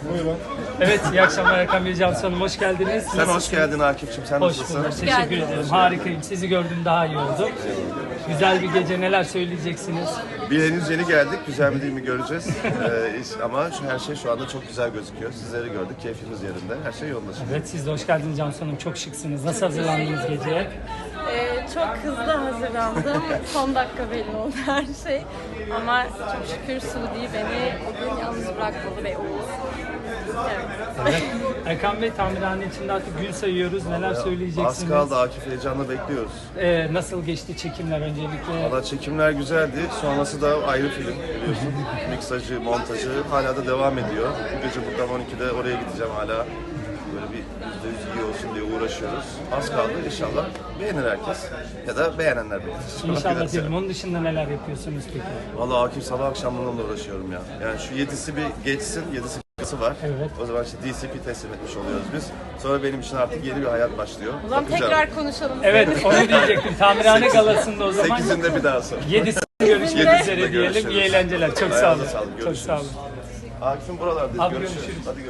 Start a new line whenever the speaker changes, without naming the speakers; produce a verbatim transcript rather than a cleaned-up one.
Buyurun.
Evet, iyi akşamlar Erkan Bey, Cansu Hanım, hoş geldiniz.
Sen hoş geldin Akif'cim, sen
Hoş
nasılsın?
bulduk, teşekkür ederim. Harikayım, sizi gördüm daha iyi oldu. Güzel bir gece, neler söyleyeceksiniz?
Bir henüz yeni geldik, güzel mi değil mi göreceğiz. Ee, iş- ama şu her şey şu anda çok güzel gözüküyor. Sizleri gördük, keyfimiz yerinde, her şey yolunda şimdi.
Evet, siz de hoş geldiniz Cansu Hanım, çok şıksınız. Nasıl hazırlandınız geceye?
Ee, çok hızlı hazırlandım. Son dakika belli oldu her şey. Ama çok şükür Suudi beni o gün yalnız bırakmadı ve Oğuz. Evet.
Evet. Erkan Bey, tamirhane içinde artık gün sayıyoruz. Neler
Az
söyleyeceksiniz?
kaldı, Akif heyecanla bekliyoruz.
Ee, nasıl geçti çekimler öncelikle?
Valla çekimler güzeldi, sonrası da ayrı film biliyorsun. Miksajı, montajı hala da devam ediyor. Bu gece buradan on ikide oraya gideceğim hala. Böyle bir yüzde yüz iyi olsun diye uğraşıyoruz. Az kaldı, inşallah beğenir herkes. Ya da beğenenler beğenir.
İnşallah diyelim. Onun dışında neler yapıyorsunuz peki?
Valla Akif sabah akşam bununla uğraşıyorum ya. Yani şu yedisi bir geçsin, yedisi var.
Evet.
O zaman işte D C P teslim etmiş oluyoruz biz. Sonra benim için artık yeni bir hayat başlıyor.
O zaman
Bakacağım.
tekrar konuşalım.
Evet, onu diyecektim. Tamirhane galasında o zaman
Sekizinde bir daha sonra.
yedisinde görüşmek
Yedisinde
üzere diyelim.
görüşürüz.
İyi eğlenceler. Çok sağ olun.
Ayağınıza sağlık,
Çok
görüşürüz.
sağ olun.
Akif'im buralardayız.
Abi
Görüşürüz.
görüşürüz.
Hadi görüşürüz.